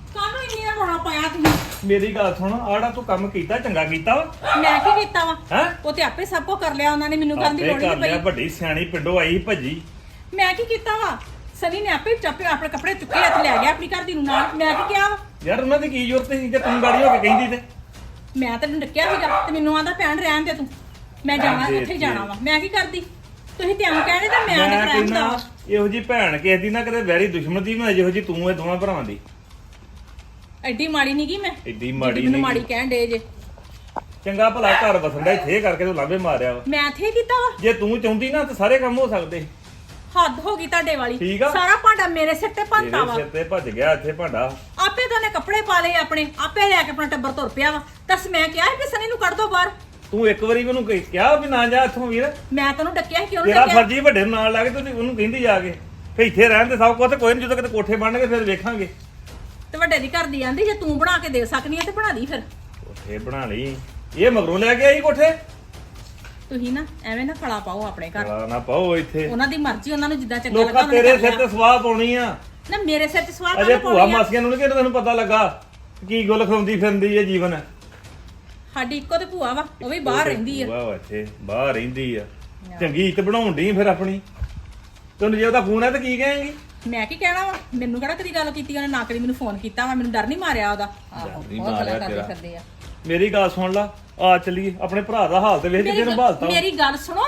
Speaker 3: ਕਾਹਨੂੰ ਇੰਨੀਆਂ ਰੋਣਾ ਪਾਇਆ ਤੁਸੀਂ?
Speaker 4: ਮੇਰੀ ਗੱਲ ਸੁਣ, ਆੜਾ ਤੂੰ ਕੰਮ ਕੀਤਾ ਚੰਗਾ ਕੀਤਾ ਵਾ
Speaker 3: ਮੈਂ ਕੀ ਕੀਤਾ ਵਾ?
Speaker 4: ਹੈ
Speaker 3: ਉਹ ਤੇ ਆਪੇ ਸਭ ਕੁਝ ਕਰ ਲਿਆ ਉਹਨਾਂ ਨੇ, ਮੈਨੂੰ ਕਰਨ ਦੀ
Speaker 4: ਆਪੇ
Speaker 3: ਲੋੜ
Speaker 4: ਕਰ
Speaker 3: ਨਹੀਂ
Speaker 4: ਲਿਆ,
Speaker 3: ਪਈ।
Speaker 4: ਵੱਡੀ ਸਿਆਣੀ ਪਿੰਡੋਂ ਆਈ ਸੀ ਭੱਜੀ।
Speaker 3: ਮੈਂ ਕੀ ਕੀਤਾ ਵਾ? ਸਨੀ ਨੇ ਆਪੇ ਚੱਪੇ ਆਪਣੇ ਕੱਪੜੇ ਚੁੱਕੇ ਹੱਥ ਲੈ ਗਿਆ ਆਪਣੀ ਘਰ ਦੀ ਨੂੰ ਨਾਲ। ਮੈਂ ਕੀ ਕਿਹਾ ਵਾ?
Speaker 4: ਯਾਰ ਉਹਨਾਂ ਦੀ ਕੀ ਜ਼ਰੂਰਤ ਸੀ ਜੇ ਤੂੰ ਗਾੜੀ ਹੋ ਕੇ ਕਹਿੰਦੀ ਤੇ।
Speaker 3: ਮੈਂ ਤੈਨੂੰ ਡੱਕਿਆ ਸੀਗਾ ਤੇ ਮੈਨੂੰ ਆਂਦਾ ਭੈਣ ਰਹਿਣ ਦੇ ਤੂੰ, ਮੈਂ ਜਾਣਾ
Speaker 4: ਰਹਿਣ ਦੇ
Speaker 3: ਉੱਥੇ ਹੀ ਜਾਣਾ ਵਾ। ਮੈਂ ਕੀ ਕਰਦੀ? ਤੁਸੀਂ ਤੇ ਐਂ ਕਹਿੰਦੇ ਤਾਂ ਮੈਂ ਨਹੀਂ
Speaker 4: ਮੈਂ
Speaker 3: ਕਰਾਂਦਾ
Speaker 4: ਕਹਿੰਦਾ
Speaker 3: ਵਾ।
Speaker 4: ਇਹੋ ਜੀ ਭੈਣ ਕਿਸੇ ਦੀ ਨਾ ਕਦੇ ਵੈਰੀ ਦੁਸ਼ਮਣ ਦੀ ਨਾ, ਜਿਹੋ ਜੀ ਤੂੰ ਇਹ ਦੋਵਾਂ ਭਰਾਵਾਂ ਦੀ।
Speaker 3: ਐਡੀ ਮਾੜੀ ਨਹੀਂ ਗਈ ਮੈਂ,
Speaker 4: ਐਡੀ ਮਾੜੀ
Speaker 3: ਜਿੱਡੀ ਮੈਨੂੰ
Speaker 4: ਨੀ
Speaker 3: ਮਾੜੀ
Speaker 4: ਗੀ।
Speaker 3: ਕਹਿਣ ਡੇ ਜੇ।
Speaker 4: ਚੰਗਾ ਭਲਾ ਘਰ ਵਸੰਦਾ ਇੱਥੇ ਕਰਕੇ ਤੂੰ ਲਾਂਭੇ ਮਾਰਿਆ ਵਾ।
Speaker 3: ਮੈਂ ਇੱਥੇ ਕੀਤਾ ਵਾ?
Speaker 4: ਜੇ ਤੂੰ ਚਾਹੁੰਦੀ ਨਾ ਤਾਂ ਸਾਰੇ ਕੰਮ ਹੋ ਸਕਦੇ।
Speaker 3: ਹੱਦ ਹੋ ਗਈ ਤੁਹਾਡੇ ਵਾਲੀ।
Speaker 4: ਠੀਕ ਆ।
Speaker 3: ਸਾਰਾ ਭਾਂਡਾ ਮੇਰੇ ਸਿਰ ਤੇ ਭੰਨਤਾ
Speaker 4: ਤੇਰੇ
Speaker 3: ਵਾ।
Speaker 4: ਸਿਰ ਤੇ ਭੱਜ ਗਿਆ ਇੱਥੇ ਭਾਂਡਾ।
Speaker 3: ਆਪੇ ਤਾਂ ਨੇ ਕੱਪੜੇ ਪਾ ਲਏ ਆਪਣੇ, ਆਪੇ ਲੈ ਕੇ ਆਪਣਾ ਟੱਬਰ ਤੁਰ ਪਿਆ ਵਾ। ਦੱਸ ਮੈਂ ਕਿਹਾ ਸੀ ਕਿ ਸਨੀ ਨੂੰ ਕੱਢ ਦੋ ਬਾਹਰ।
Speaker 4: ਤੂੰ ਇੱਕ ਵਾਰੀ ਮੈਨੂੰ ਕਿਹਾ ਵੀ ਨਾ ਜਾ ਇੱਥੋਂ ਵੀਰ।
Speaker 3: ਮੈਂ ਤੈਨੂੰ ਡੱਕਿਆ ਸੀ ਕਿ ਉਹਨੂੰ
Speaker 4: ਤੇਰਾ
Speaker 3: ਡੱਕਿਆ?
Speaker 4: ਫਰਜ਼ੀ ਵੱਡੇ ਨੂੰ ਨਾਲ ਲਾ ਕੇ ਤੂੰ ਉਹਨੂੰ ਕਹਿੰਦੀ ਜਾ ਕੇ ਫੇ ਇੱਥੇ ਰਹਿਣ ਦੇ ਸਭ ਕੁਝ, ਤੇ ਕੋਈ ਨਹੀਂ ਜਦੋਂ ਕਿਤੇ ਕੋਠੇ ਬਣਨਗੇ ਫਿਰ ਵੇਖਾਂਗੇ।
Speaker 3: ਤੇ ਵੱਡੇ ਦੀ ਘਰ ਦੀ ਆਂਦੀ ਜੇ ਤੂੰ ਬਣਾ ਕੇ ਦੇ ਸਕਨੀ ਹੈ ਤੇ ਬਣਾ ਦੀ ਫਿਰ।
Speaker 4: ਕੋਠੇ ਬਣਾ ਲਈ, ਇਹ ਮਗਰੋਂ ਲੈ ਕੇ ਆਈ ਕੋਠੇ।
Speaker 3: ਤੁਸੀਂ ਨਾ ਐਵੇਂ ਨਾ ਖਲਾ ਪਾਓ ਆਪਣੇ ਘਰ।
Speaker 4: ਗਾਲਾਂ ਨਾ ਪਾਓ ਇੱਥੇ,
Speaker 3: ਉਹਨਾਂ ਦੀ ਮਰਜ਼ੀ, ਉਹਨਾਂ ਨੂੰ ਜਿੱਦਾਂ ਚੰਗਾ ਲੱਗਾ
Speaker 4: ਲੋਕਾਂ
Speaker 3: ਉਹਨਾਂ ਨੇ
Speaker 4: ਤੇਰੇ
Speaker 3: ਕਰ
Speaker 4: ਸਿਰ
Speaker 3: ਲਿਆ।
Speaker 4: ਤੇ ਸਵਾਹ ਪਾਉਣੀ ਆ।
Speaker 3: ਨਾ ਮੇਰੇ ਸਿਰ ਤੇ ਸਵਾਲ
Speaker 4: ਅਜੇ ਭੂਆ ਮਾਸੀਆਂ ਨੂੰ ਨੀ ਕਿਹਨੂੰ ਤੈਨੂੰ ਪਤਾ ਲੱਗਾ ਕੀ ਗੁੱਲ ਖਵਾਉਂਦੀ ਫਿਰਦੀ ਹੈ ਜੀਵਨ।
Speaker 3: ਸਾਡੀ ਇੱਕੋ ਤੇ ਭੂਆ ਵਾ, ਉਹ ਵੀ ਬਾਹਰ ਰਹਿੰਦੀ ਆ।
Speaker 4: ਵਾਹ ਇੱਥੇ ਬਾਹਰ ਰਹਿੰਦੀ ਆ, ਚੰਗੀ ਇੱਜ਼ਤ ਬਣਾਉਣ ਡਈ ਫਿਰ ਆਪਣੀ। ਤੈਨੂੰ ਜੇ ਉਹਦਾ ਫੋਨ ਹੈ ਤਾਂ ਕੀ ਕਹੇਂਗੀ?
Speaker 3: ਮੈਂ ਕੀ ਕਹਿਣਾ ਵਾ? ਮੈਨੂੰ ਕਿਹੜਾ ਕਦੀ ਗੱਲ ਕੀਤੀ ਉਹਨੇ? ਨਾ ਕਦੀ ਮੈਨੂੰ ਫੋਨ ਕੀਤਾ ਵਾ। ਮੈਨੂੰ ਡਰ ਨਹੀਂ ਮਾਰਿਆ ਉਹਦਾ।
Speaker 4: ਨਹੀਂ
Speaker 3: ਬਹੁਤ
Speaker 4: ਮਾਰਿਆ
Speaker 3: ਗੱਲਾਂ ਕਰਦੇ
Speaker 4: ਤੇਰਾ।
Speaker 3: ਫਿਰਦੇ ਆ।
Speaker 4: ਮੇਰੀ ਗੱਲ ਸੁਣ ਲਾ, ਆ ਚੱਲੀਏ ਆਪਣੇ ਭਰਾ ਦਾ ਹਾਲ ਤੇ ਵੇਖ ਕਿਤੇ ਨੂੰ ਭਾਲਤਾ।
Speaker 3: ਮੇਰੀ ਗੱਲ ਸੁਣੋ।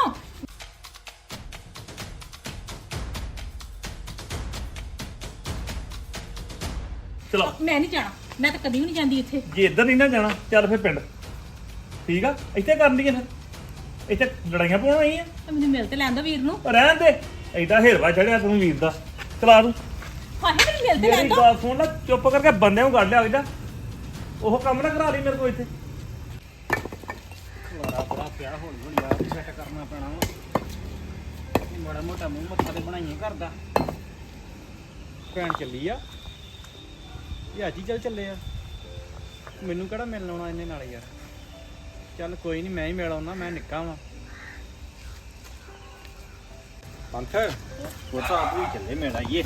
Speaker 4: ਚਲੋ
Speaker 3: ਮੈਂ ਨਹੀਂ ਜਾਣਾ, ਮੈਂ ਤਾਂ ਕਦੀ ਵੀ ਨਹੀਂ ਜਾਂਦੀ ਇੱਥੇ।
Speaker 4: ਜੇ ਇੱਧਰ ਨਹੀਂ ਨਾ ਜਾਣਾ ਚੱਲ ਫਿਰ ਪਿੰਡ, ਠੀਕ ਆ? ਇੱਥੇ ਕਰਨ ਦੀ ਫਿਰ, ਇੱਥੇ ਲੜਾਈਆਂ ਪਾਉਣ ਆਈ ਆ?
Speaker 3: ਤੇ ਮੈਨੂੰ ਮਿਲ ਤੇ ਲੈਣ ਦੋ ਵੀਰ ਨੂੰ।
Speaker 4: ਰਹਿਣ ਦੇ, ਐਡਾ ਹੇਰਵਾ ਚੜਿਆ ਤੂੰ ਵੀਰ ਦਾ। ਚਲਾ ਤੂੰ।
Speaker 3: ਹਾਏ ਮੈਨੂੰ ਮਿਲ ਤੇ ਲੈਣ
Speaker 4: ਮੇਰੀ
Speaker 3: ਦੋ।
Speaker 4: ਗੱਲ ਸੁਣ ਲੈ, ਚੁੱਪ ਕਰਕੇ ਬੰਦਿਆਂ ਨੂੰ ਕੱਢ ਲਿਆ ਜਾ। ਉਹ ਕੰਮ ਨਾ ਕਰਾ ਲਈ ਮੇਰੇ ਕੋਲ ਇੱਥੇ।
Speaker 5: ਬੜਾ ਪਿਆ ਹੌਲੀ ਹੌਲੀ ਆ ਸੈੱਟ ਕਰਨਾ ਪੈਣਾ ਵਾ। ਮਾੜਾ ਮੋਟਾ ਮੂੰਹ ਮੱਥਾ ਤੇ ਬਣਾਈਏ ਘਰ ਦਾ। ਭੈਣ ਚੱਲੀ ਆ, ਇਹ ਅੱਜ ਹੀ ਚੱਲੇ ਆ। ਮੈਨੂੰ ਕਿਹੜਾ ਮਿਲਣ ਆਉਣਾ ਇਹਨੇ ਨਾਲ ਯਾਰ। ਚੱਲ ਕੋਈ ਨਹੀਂ, ਮੈਂ ਹੀ ਮਿਲ ਆਉਣਾ, ਮੈਂ ਨਿੱਕਾ ਵਾਂ। ਪੰਥ ਉਹ ਤਾਂ ਆਪ ਹੀ ਚੱਲੇ ਮਿਲ ਆਈਏ।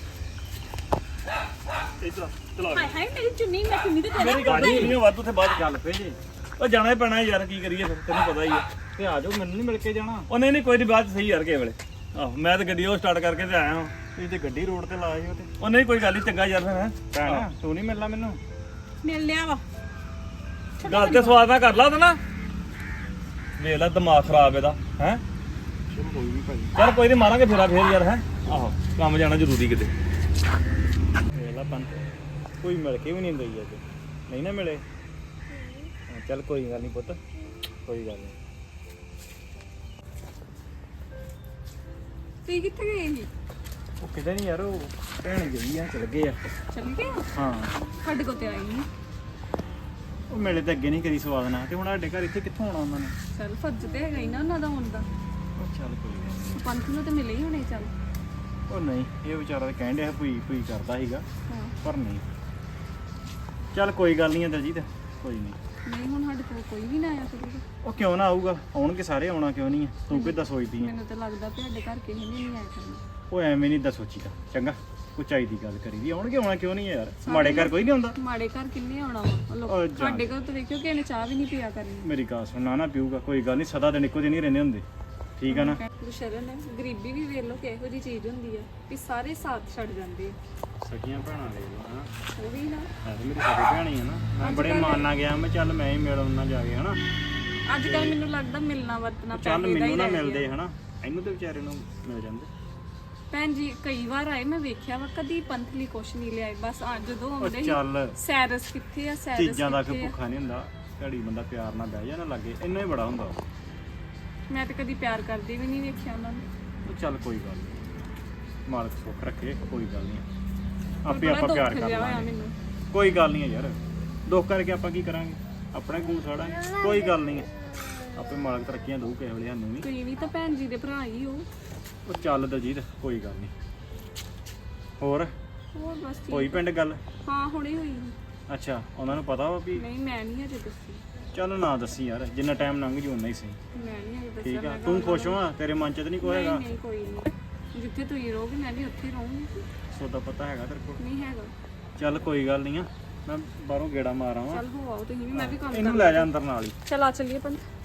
Speaker 4: ਇੱਧਰ ਚਲਾ
Speaker 3: ਹਾਏ ਹਾਏ ਮੇਰੀ ਚੁੰਨੀ, ਮੈਂ ਚੁੰਨੀ ਤੇ ਤੇਰੇ
Speaker 4: ਮੇਰੀ ਗੱਲ ਨਹੀਂ ਵੱਧ ਉੱਥੇ ਬਾਅਦ
Speaker 5: ਚੱਲ ਪਏ ਜੇ
Speaker 4: ਉਹ ਜਾਣਾ ਹੀ ਪੈਣਾ ਯਾਰ, ਕੀ ਕਰੀਏ ਫਿਰ, ਤੈਨੂੰ ਪਤਾ ਹੀ ਆ।
Speaker 5: ਤੇ ਆ ਜਾਓ, ਮੈਨੂੰ ਨਹੀਂ ਮਿਲ ਕੇ ਜਾਣਾ।
Speaker 4: ਉਹ ਨਹੀਂ ਕੋਈ ਨਹੀਂ, ਬਾਅਦ ਚ ਸਹੀ ਯਾਰ ਕਿਸੇ ਵੇਲੇ। ਆਹੋ ਮੈਂ ਤਾਂ ਗੱਡੀ ਉਹ ਸਟਾਰਟ ਕਰਕੇ ਤੇ ਆਇਆ ਹਾਂ।
Speaker 5: ਤੁਸੀਂ ਤੇ ਗੱਡੀ ਰੋਡ ਤੇ ਲਾਈ ਹੋ ਤੇ।
Speaker 4: ਉਹ ਨਹੀਂ ਕੋਈ ਗੱਲ ਨਹੀਂ, ਚੰਗਾ ਯਾਰ ਫਿਰ। ਹੈਂ
Speaker 5: ਭੈਣ ਤੂੰ ਨਹੀਂ ਮਿਲਣਾ ਮੈਨੂੰ?
Speaker 3: ਮਿਲ ਲਿਆ ਵਾ।
Speaker 4: ਗੱਲ ਤੇ ਸਵਾਦ ਨਾਲ ਕਰ ਲਾ ਉਹਦਾ ਨਾ। ਵੇਖ ਲੈ ਦਿਮਾਗ ਖਰਾਬ ਇਹਦਾ ਹੈ।
Speaker 5: ਚਲੋ ਕੋਈ ਨਹੀਂ ਭਾਈ।
Speaker 4: ਚੱਲ ਕੋਈ ਨਹੀਂ, ਮਾਰਾਂਗੇ ਫੇਰਾ ਫੇਰ ਯਾਰ। ਹੈ ਆਹੋ ਕੰਮ ਜਾਣਾ ਜ਼ਰੂਰੀ ਕਿਤੇ।
Speaker 5: ਵੇਲਾ ਪੰਥ ਕੋਈ ਮਿਲ ਕੇ ਵੀ ਨਹੀਂ ਦਈ ਅੱਜ, ਨਹੀਂ ਨਾ ਮਿਲੇ। ਹਾਂ, ਚੱਲ ਕੋਈ ਗੱਲ ਨਹੀਂ ਪੁੱਤ, ਕੋਈ ਗੱਲ ਨਹੀਂ।
Speaker 6: ਤੁਸੀਂ ਕਿੱਥੇ ਗਏ ਜੀ?
Speaker 5: ਉਹ ਕਿਤੇ ਨਹੀਂ ਯਾਰ, ਉਹ ਭੈਣ ਗਈ ਆ, ਚਲ ਗਏ ਆ।
Speaker 6: ਚੱਲ ਗਏ ਹੋ?
Speaker 5: ਹਾਂ
Speaker 6: ਸਾਡੇ ਕੋਲ ਤੇ ਆਈ ਨਹੀਂ।
Speaker 5: ਉਹ ਮਿਲੇ ਤਾਂ ਅੱਗੇ ਨਹੀਂ ਕਰੀ ਸਵਾਦ ਨਾਲ, ਤੇ ਹੁਣ ਸਾਡੇ ਘਰ ਇੱਥੇ ਕਿੱਥੋਂ ਆਉਣਾ ਉਹਨਾਂ ਨੇ।
Speaker 6: ਚੱਲ ਫਰਜ਼ ਤੇ ਹੈਗਾ ਹੀ ਨਾ ਉਹਨਾਂ ਦਾ ਹੁਣ ਦਾ।
Speaker 5: ਉਹ ਚੱਲ ਕੋਈ ਗੱਲ
Speaker 6: ਪੰਥ ਨੂੰ ਤੇ ਮਿਲੇ ਹੀ ਹੋਣੇ। ਚੱਲ
Speaker 5: ਨੀ। ਉਹ ਨਹੀਂ, ਇਹ ਵਿਚਾਰਾ ਤਾਂ ਕਹਿਣ ਡਿਆ ਭੂਈ ਭੂਈ ਕਰਦਾ ਸੀਗਾ,
Speaker 6: ਹਾਂ।
Speaker 5: ਪਰ ਨਹੀਂ। ਚੱਲ ਕੋਈ ਗੱਲ ਨਹੀਂ ਆ ਦਲਜੀਤ, ਕੋਈ ਨਹੀਂ।
Speaker 6: ਨਹੀਂ ਹੁਣ ਸਾਡੇ ਕੋਲ ਕੋਈ ਵੀ ਨਾ ਆਇਆ ਫਿਰ।
Speaker 5: ਉਹ ਕਿਉਂ ਨਾ ਆਊਗਾ, ਆਉਣਗੇ ਸਾਰੇ, ਆਉਣਾ ਕਿਉਂ ਨਹੀਂ ਆ? ਤੂੰ ਕਿੱਦਾਂ ਸੋਚਦੀ ਆ?
Speaker 6: ਮੈਨੂੰ ਤਾਂ ਲੱਗਦਾ ਵੀ ਸਾਡੇ ਘਰ ਕਿਸੇ ਨੇ ਨਹੀਂ ਆਇਆ ਕਰਨਾ।
Speaker 5: ਉਹ ਐਵੇਂ ਨਹੀਂ ਦਾ ਸੋਚੀਦਾ, ਚੰਗਾ ਉਚਾਈ ਦੀ ਗੱਲ ਕਰੀ ਦੀ। ਆਉਣਗੇ, ਆਉਣਾ ਕਿਉਂ ਨਹੀਂ ਆ ਯਾਰ? ਮਾੜੇ ਘਰ ਕੋਈ ਨਹੀਂ ਆਉਂਦਾ।
Speaker 6: ਮਾੜੇ ਘਰ ਕਿੰਨੇ ਆਉਣਾ ਵਾ? ਉਹ ਲੋਕ
Speaker 5: ਉਹ ਜਾ।
Speaker 6: ਸਾਡੇ ਘਰ ਤਾਂ ਵੇਖਿਓ ਕਿਸੇ ਨੇ ਚਾਹ ਵੀ ਨਹੀਂ ਪੀਆ ਕਰਨੀ।
Speaker 5: ਮੇਰੀ ਗੱਲ ਸੁਣ, ਨਾ ਪੀਊਗਾ, ਕੋਈ ਗੱਲ ਨਹੀਂ, ਸਦਾ ਦਿਨ ਇੱਕੋ ਜਿਹੇ ਨਹੀਂ ਰਹਿੰਦੇ ਹੁੰਦੇ, ਠੀਕ ਆ ਨਾ?
Speaker 6: ਗੁਰਸ਼ਰਨ ਹੈ, ਗਰੀਬੀ ਵੀ ਵੇਖ ਲਓ ਕਿਹੋ ਜਿਹੀ ਚੀਜ਼ ਹੁੰਦੀ ਆ ਵੀ ਸਾਰੇ ਸਾਥ ਛੱਡ ਜਾਂਦੇ ਆ।
Speaker 5: ਸਗੀਆਂ ਭੈਣਾਂ ਲੈ ਲਓ ਹਨਾ,
Speaker 6: ਉਹ ਵੀ ਨਾ
Speaker 5: ਹੈ ਤੇ ਮੇਰੀ ਸਗੀ ਭੈਣ ਹੀ ਆ ਨਾ। ਮੈਂ ਬੜੇ ਮਾਨ ਨਾਲ ਗਿਆ, ਮੈਂ ਚੱਲ ਮੈਂ ਹੀ ਮਿਲ ਆਉਣਾ ਜਾ ਕੇ ਹਨਾ।
Speaker 6: ਅੱਜ ਕੱਲ ਮੈਨੂੰ ਲੱਗਦਾ ਮਿਲਣਾ ਵਰਤਣਾ
Speaker 5: ਚੱਲ
Speaker 6: ਪੈਸੇ ਦਾ
Speaker 5: ਮੈਨੂੰ
Speaker 6: ਹੀ
Speaker 5: ਨਾ
Speaker 6: ਰਹਿ
Speaker 5: ਮਿਲਦੇ
Speaker 6: ਗਿਆ।
Speaker 5: ਹਨਾ, ਇਹਨੂੰ ਤੇ ਵਿਚਾਰੇ ਨੂੰ ਮਿਲ ਜਾਂਦੇ।
Speaker 6: ਭੈਣ ਜੀ ਕਈ ਵਾਰ ਆਏ, ਮੈਂ ਵੇਖਿਆ ਵਾ ਕਦੀ ਪੰਥ ਲਈ ਕੁਛ ਨਹੀਂ ਲਿਆਏ। ਬਸ ਆ ਜਦੋਂ
Speaker 5: ਉਹ
Speaker 6: ਆਉਂਦੇ
Speaker 5: ਚੱਲ
Speaker 6: ਸੀ ਸੈਰਸ ਕਿੱਥੇ ਆ, ਸੈਰਸ
Speaker 5: ਚੀਜ਼ਾਂ ਦਾ ਕੋਈ
Speaker 6: ਕਿੱਥੇ ਆ?
Speaker 5: ਭੁੱਖਾ ਨਹੀਂ ਹੁੰਦਾ, ਘੜੀ ਬੰਦਾ ਪਿਆਰ ਨਾਲ ਬਹਿ ਜਾ ਨਾ ਲੱਗੇ, ਇੰਨਾ ਹੀ ਬੜਾ ਹੁੰਦਾ।
Speaker 6: ਮੈਂ ਤਾਂ ਕਦੀ ਪਿਆਰ ਕਰਦੇ ਵੀ ਨਹੀਂ ਵੇਖਿਆ ਉਹਨਾਂ ਨੂੰ।
Speaker 5: ਉਹ ਚੱਲ ਕੋਈ ਗੱਲ ਨਹੀਂ, ਮਾਲਕ ਸੁੱਖ ਰੱਖੇ, ਕੋਈ ਗੱਲ ਨਹੀਂ, ਆਪੇ
Speaker 6: ਬੜਾ
Speaker 5: ਆਪਾਂ
Speaker 6: ਦੁੱਖ
Speaker 5: ਪਿਆਰ ਕਰ
Speaker 6: ਜਿਹਾ ਹੋਇਆ
Speaker 5: ਲਾਂਗੇ।
Speaker 6: ਮੈਨੂੰ।
Speaker 5: ਕੋਈ ਗੱਲ ਨਹੀਂ ਯਾਰ, ਦੁੱਖ ਕਰਕੇ ਆਪਾਂ ਕੀ ਕਰਾਂਗੇ? ਆਪਣੇ ਗੂੰ ਸਾੜਾਂਗੇ, ਕੋਈ ਗੱਲ ਨਹੀਂ। ਆਪੇ ਮਾਲਕ ਤਰੱਕੀਆਂ ਦਊ ਕਿਸੇ ਵੇਲੇ ਸਾਨੂੰ ਵੀ।
Speaker 6: ਤੁਸੀਂ ਵੀ ਤਾਂ ਭੈਣ ਜੀ ਦੇ ਭਰਾ ਹੀ ਹੋ।
Speaker 5: ਉਹ ਚੱਲ ਦਲਜੀਤ, ਕੋਈ ਗੱਲ ਨਹੀਂ। ਹੋਰ
Speaker 6: ਹੋਰ ਬਸ
Speaker 5: ਹੋਈ
Speaker 6: ਠੀਕ।
Speaker 5: ਪਿੰਡ ਗੱਲ?
Speaker 6: ਹਾਂ ਹੁਣੇ ਹੋਈ।
Speaker 5: ਅੱਛਾ, ਉਹਨਾਂ ਨੂੰ ਪਤਾ ਵਾ ਵੀ?
Speaker 6: ਨਹੀਂ ਮੈਂ ਨਹੀਂ ਅਜੇ ਦੱਸੀ।
Speaker 5: ਚੱਲ ਨਾ ਦੱਸੀ ਯਾਰ, ਜਿੰਨਾ ਟਾਈਮ ਲੰਘ ਜੂ ਉਨਾ ਹੀ ਸਹੀ।
Speaker 6: ਮੈਂ ਨਹੀਂ ਅਜੇ ਦੱਸਿਆ।
Speaker 5: ਠੀਕ ਆ,
Speaker 6: ਮੈਂ
Speaker 5: ਤੂੰ
Speaker 6: ਕਿਹਾ
Speaker 5: ਖੁਸ਼ ਹੋਆ? ਤੇਰੇ ਮਨ 'ਚ ਤਾਂ ਨਹੀਂ ਕੋਈ
Speaker 6: ਨਹੀਂ
Speaker 5: ਹੈਗਾ?
Speaker 6: ਨਹੀਂ ਕੋਈ ਨਹੀਂ। ਜਿੱਥੇ ਤੁਸੀਂ ਰਹੋਗੇ ਮੈਂ ਵੀ ਉੱਥੇ ਹੀ ਰਹੂੰਗੀ।
Speaker 5: ਸੋਦਾ ਪਤਾ ਹੈਗਾ ਤੇਰੇ ਕੋਲ?
Speaker 6: ਨਹੀਂ ਹੈਗਾ।
Speaker 5: ਚੱਲ ਕੋਈ ਗੱਲ ਨਹੀਂ ਆ, ਮੈਂ ਬਾਹਰੋਂ ਗੇੜਾ ਮਾਰ ਆਵਾਂ।
Speaker 6: ਚੱਲ ਹੋ ਆਓ ਤੁਸੀਂ ਵੀ, ਮੈਂ ਵੀ ਕੰਮ
Speaker 5: ਇਹਨੂੰ ਲੈ ਜਾ ਅੰਦਰ ਨਾਲ ਹੀ।
Speaker 6: ਚਲ ਆ ਚੱਲੀਏ ਪੰਤ।